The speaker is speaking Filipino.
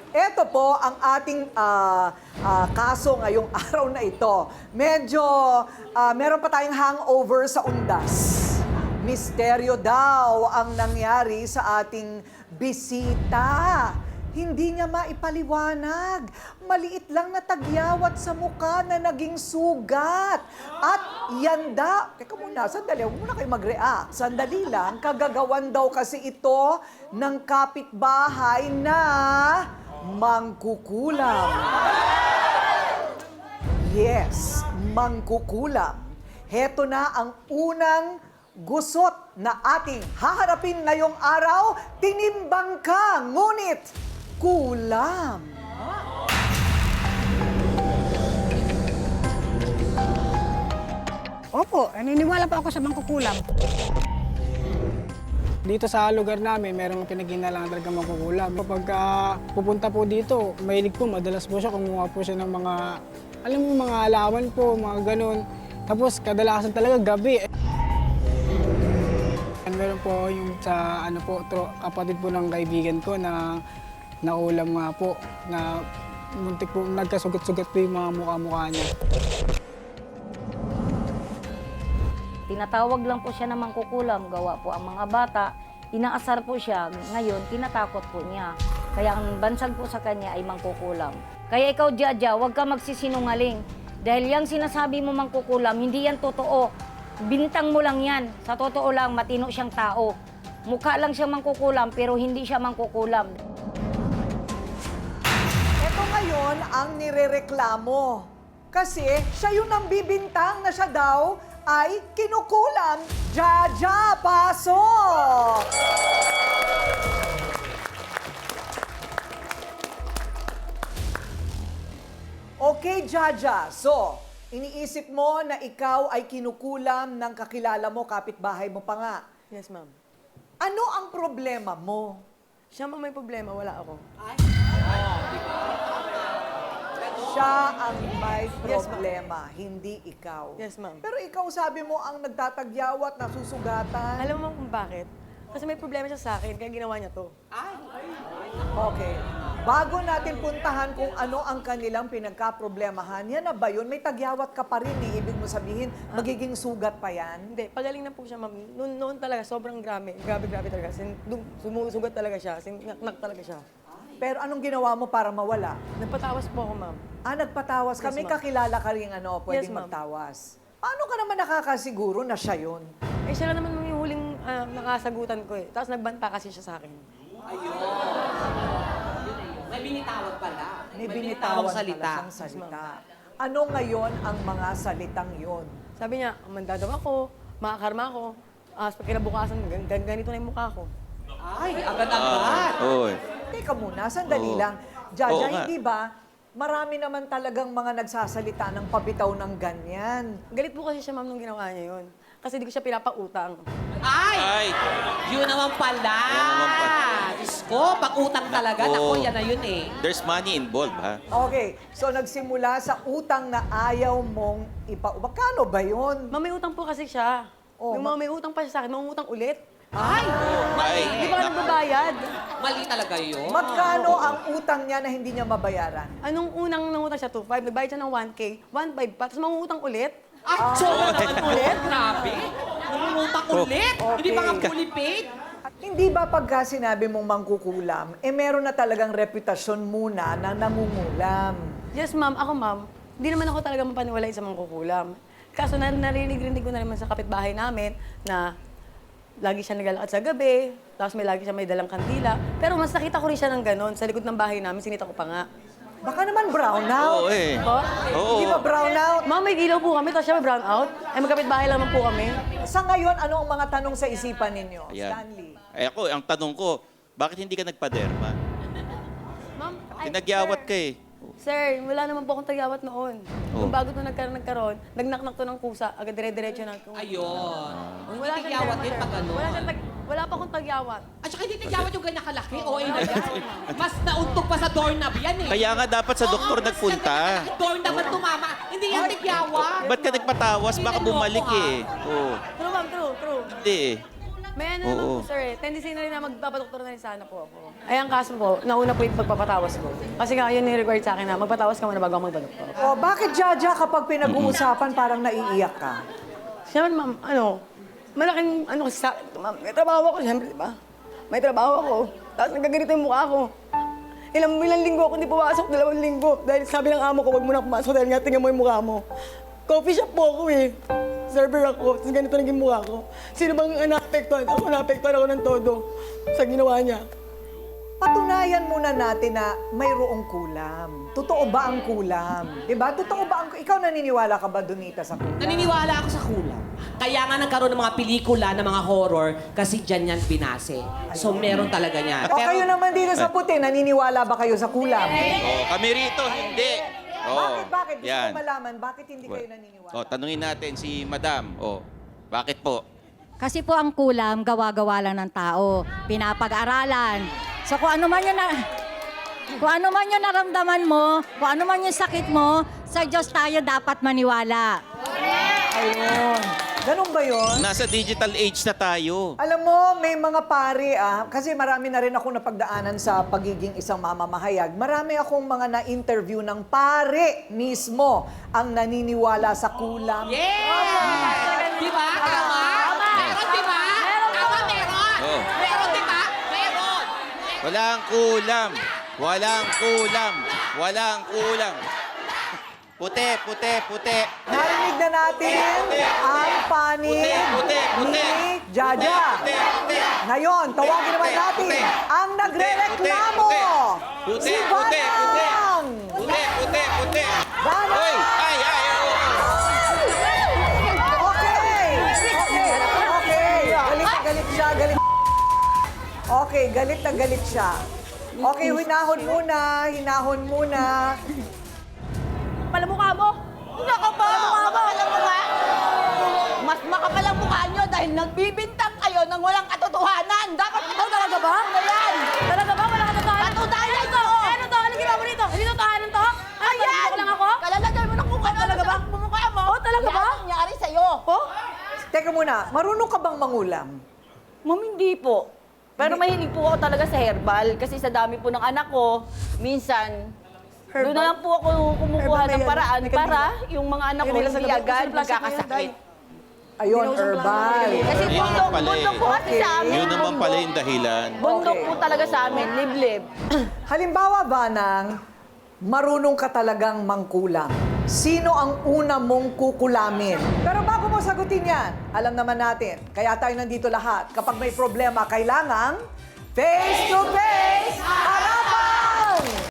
Ito po ang ating kaso ngayong araw na ito. Medyo meron pa tayong hangover sa undas. Misteryo daw ang nangyari sa ating bisita. Hindi niya maipaliwanag. Maliit lang na tagyawat sa mukha na naging sugat. At yanda, teka muna, sandali, huwag muna kayo mag-react. Sandali lang, kagagawan daw kasi ito ng kapitbahay na mangkukulam. Yes, mangkukulam. Heto na ang unang gusot na ating haharapin ngayong araw. Tinimbang ka, ngunit kulam. Opo, naniniwala po ako sa mangkukulam. Dito sa lugar namin, merong pinag-inalangan talaga mangkukulam. Kapag pupunta po dito, mahilig po, madalas po siya kumuha po siya ng mga, alam mo, mga alaman po, mga ganun. Tapos kadalasan talaga gabi. Meron po yung sa kapatid po ng kaibigan ko na naulam nga po, na muntik po, nagkasugat-sugat po yung mga mukha-mukha niya. Tinatawag lang po siya na mangkukulam, gawa po ang mga bata. Inaasar po siya, ngayon tinatakot po niya. Kaya ang bansag po sa kanya ay mangkukulam. Kaya ikaw, Jaja, huwag ka magsisinungaling. Dahil yung sinasabi mo mangkukulam, hindi yan totoo. Bintang mo lang yan. Sa totoo lang, matino siyang tao. Mukha lang siya mangkukulam, pero hindi siya mangkukulam. Ito ngayon ang nirereklamo. Kasi siya yung nambibintang na siya daw ay kinukulam. Jaja, pasok! Okay, Jaja. So, iniisip mo na ikaw ay kinukulam ng kakilala mo, kapitbahay mo pa nga. Yes, ma'am. Ano ang problema mo? Siya ma'am may problema, wala ako. Siya ang may Yes, ma'am. problema, hindi ikaw. Yes, ma'am. Pero ikaw sabi mo ang nagtatagyawat, nasusugatan. Alam mo ma'am kung bakit? Kasi may problema siya sa akin, kaya ginawa niya to. Okay. Bago natin puntahan kung ano ang kanilang pinagkaproblemahan, yan na ba yun? May tagyawat ka pa rin, ibig mo sabihin, magiging sugat pa yan? Hindi, pagaling na po siya ma'am. Noon talaga, sobrang grabe talaga. Sumusugat talaga siya, nak talaga siya. Pero anong ginawa mo para mawala? Nagpatawas po ako ma'am. Nagpatawas ka. Yes, May ma'am. kakilala ka rin pwedeng Yes, ma'am. magtawas. Paano ka naman nakakasiguro na siya yun? Eh siya lang naman ma'am yung huling nakasagutan ko eh. Tapos nagbanta kasi siya sa akin. May binitawag pala. May binitawan salita. pala siyang salita. Ano ngayon ang mga salitang yon? Sabi niya, manda daw ako, makakarma ako. Pag kinabukasan, ganito na yung mukha ko. Ay, agad-agad. Oy. Teka muna, sandali Oo. lang. Jaja, Oo nga. hindi ba? Marami naman talagang mga nagsasalita ng pabitaw ng ganyan. Galit po kasi siya ma'am nung ginawa niya yun. Kasi di ko siya pinapautang. Ay! Yun naman pala. Yun naman pala. Diyos ko, pag-utang talaga. Nako. Naku, yan na yun eh. There's money involved, ha? Okay, so nagsimula sa utang na ayaw mong Magkano ba yun? Ma'am, may utang po kasi siya. Oh, Nung may utang pa siya sa akin, mangungutang ulit. Ay! Ay. Hindi pa ka nagbabayad. Mali talaga yun. Magkano ang utang niya na hindi niya mabayaran? Anong unang nangutang siya? 2.5. Nagbayad siya ng 1K. 1.5 pa. Tapos mangungutang ulit. Ay, sobra naman ulit. Grabe. Nangungutang ulit. Hindi pa nga fully paid. At hindi ba pagka sinabi mong mangkukulam, meron na talagang reputasyon muna na nangungulam? Yes, ma'am. Ako, ma'am. Hindi naman ako talaga mapaniwalay sa mangkukulam. Kaso narinig ko na naman sa kapitbahay namin na lagi siya naglalakad sa gabi, tapos lagi siya may dalang kandila. Pero mas nakita ko rin siya ng ganon. Sa likod ng bahay namin, sinita ko pa nga. Baka naman brown out. Oo eh. Po? Oo. Hindi ba brown out? Ma'am, may ilaw po kami, tapos siya may brown out. Ay, magkapit-bahay lang naman po kami. Sa ngayon, ano ang mga tanong sa isipan ninyo? Ayan. Stanley. Ako, ang tanong ko, bakit hindi ka nagpaderma? Ma'am, Tinagyawat ka eh. Sir, wala naman po akong tagyawat noon. Oh. Nung bago ito nagkaroon, nagnaknak to ng kusa, agad dire-diretso na. Ayun. Hindi Wala siyang tigyawat derma, din sir. pag ano. Wala pa akong tagyawat. At saka hindi tigyawat yung ganyan kalaki. Oo, na yan. Mas nauntog pa sa doorknob yan eh. Kaya nga dapat sa doktor Oo, nagpunta. mas doorknob ang tumama. Hindi yan tigyawat. Ba't ka nagpatawas? Baka bumalik eh. Oo. True, ma'am, true. Hindi eh. May ano Oo. naman po, sir. Tendency na rin na magpapadoktor na rin sana po ako. Ay, ang kaso po, nauna po yung pagpapatawas ko. Kasi nga, yun yung required sa akin na magpatawas ka muna bago ako magpadoktor. O, bakit, Jaja, kapag pinag-uusapan, parang naiiyak ka? Siyempre, ma'am, malaking kasi sa akin, ma'am. May trabaho ako, siyempre, di ba? May trabaho ako. Tapos nagkaganito yung mukha ko. Ilang linggo ako hindi pumasok, 2 linggo. Dahil sabi ng amo ko, wag mo na pumasok dahil nga tingnan mo yung mukha mo. Coffee shop po ako eh. Server ako, tapos ganito naging mukha ko. Sino bang naapektuhan? Ako naapektuhan ako ng todo sa ginawa niya. Patunayan muna natin na mayroong kulam. Totoo ba ang kulam? Diba? Totoo ba ang... Ikaw naniniwala ka ba, Donita, sa kulam? Naniniwala ako sa kulam. Kaya nga nagkaroon ng mga pelikula ng mga horror kasi dyan yan binase. So meron talaga niyan. O kayo naman dito sa puti, naniniwala ba kayo sa kulam? Oh, kami rito, hindi. Oh, Bakit? Gusto yan. ko malaman, bakit hindi kayo naniniwala? Oh, tanungin natin si Madam. Oh, bakit po? Kasi po ang kulam, gawa-gawa lang ng tao. Pinapag-aralan. So kung ano man yung naramdaman mo, kung ano man yung sakit mo, sa Diyos tayo dapat maniwala. Ayun. Ganun ba yun? Nasa digital age na tayo. Alam mo, may mga pare kasi marami na rin akong napagdaanan sa pagiging isang mamamahayag. Marami akong mga na-interview ng pare mismo ang naniniwala sa kulam. Yeah! Di ba? Tama? Meron, di ba? Tama, meron. Oh. Meron, di ba? Meron. Walang kulam. Walang kulam. Walang kulam. Puti, puti, puti. Narinig na natin ang panig ni Jaja. Puti, puti. Ngayon, tawagin naman natin ang nagre-reklamo. Puti, Si puti, puti. Banang. Puti, puti, puti. Banang. Hoy! Ay, ay, ay. Okay. Galit na galit siya. Okay, galit na galit siya. Okay, hinahon muna. Palamukha mo! Nakapal ang mukha mo! Mas makapal ang mukha nyo dahil nagbibintang kayo ng walang katotohanan! Dapat talaga ba? Yan! Talaga ba? Walang katotohanan? Katotohanan ito! Ano to? Ano ginawa mo rito? Hindi totohanan to? Ayan! Lang ako? Kalalagay mo ng mukha talaga ba? Mukha mo? Oh, talaga ba? Yan ang nangyari sa'yo! Oh? Teka muna, marunong ka bang mangulam? Ma'am, hindi po. Pero mahilig po ako talaga sa herbal kasi sa dami po ng anak ko, minsan, doon na lang po ako kumukuha ng paraan para yung mga anak ko hindi agad magkakasakit. Ayun, herbal. Kasi Yun naman pala eh. bundok po kasi sa amin. Yun naman pala yung dahilan. Bundok Okay. po talaga sa amin, liblib. Halimbawa, Banang, marunong ka talagang mangkulam. Sino ang una mong kukulamin? Pero bago mo sagutin yan, alam naman natin, kaya tayo nandito lahat. Kapag may problema, kailangang face-to-face, harap